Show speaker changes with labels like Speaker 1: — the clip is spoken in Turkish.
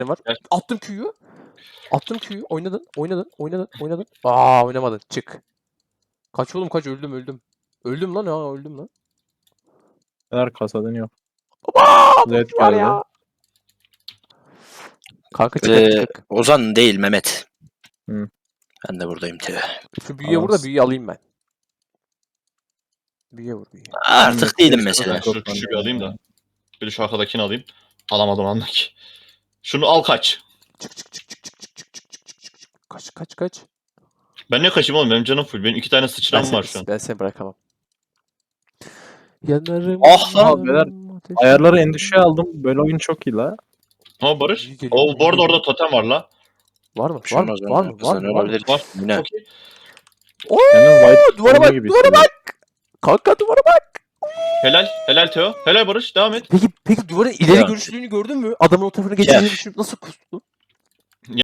Speaker 1: Ne var?
Speaker 2: Gel.
Speaker 1: Attım Q'yu. Attım Q'yu. Oynadın. Aa oynamadın. Çık. Kaç oğlum kaç öldüm. Öldüm lan.
Speaker 3: Her kasa dönüyor.
Speaker 1: Aa
Speaker 3: Zed
Speaker 1: boş var
Speaker 3: geldi.
Speaker 1: ya. Kanka çık.
Speaker 4: Ozan değil Mehmet.
Speaker 3: Hı.
Speaker 4: Ben de buradayım tüh.
Speaker 1: Şu büyüye vur da büyüyü alayım ben. Büyüye vur.
Speaker 4: Artık değilim
Speaker 3: Keşke
Speaker 4: mesela.
Speaker 3: çok
Speaker 2: Şu küçüğü bir
Speaker 3: önemli
Speaker 2: alayım da.
Speaker 3: ya.
Speaker 2: Bir de şu arkadakini alayım. Alamadım andaki. Şunu al kaç.
Speaker 1: Çık. Kaç.
Speaker 2: Ben ne kaçayım oğlum? Benim canım full. Benim 2 tane sıçram var şu an.
Speaker 1: Ben seni bırakamam. Yanarım.
Speaker 4: Ah
Speaker 3: lan, beyler, Ayarları en düşüğe aldım. Böyle oyun çok iyi la.
Speaker 2: Ha Barış.
Speaker 1: İyi geliyor,
Speaker 2: O bu arada
Speaker 1: iyi
Speaker 2: orada totem var la.
Speaker 1: Var mı?
Speaker 4: Bir şey olmaz bence. Kazanıyor olabilir.
Speaker 2: Var.
Speaker 4: Yine.
Speaker 2: Çok iyi.
Speaker 3: Senin White
Speaker 1: Duvara
Speaker 3: oyunu
Speaker 1: bak,
Speaker 3: gibi
Speaker 1: duvara
Speaker 3: hissediyorum.
Speaker 1: Kanka duvara bak.
Speaker 2: Helal. Helal Teo. Helal Barış. Devam et.
Speaker 1: Peki duvarın ileri
Speaker 4: Ya.
Speaker 1: görüşlülüğünü gördün mü? Adamın o tarafına geçeceğini
Speaker 4: Ya.
Speaker 1: düşünüp nasıl kustu?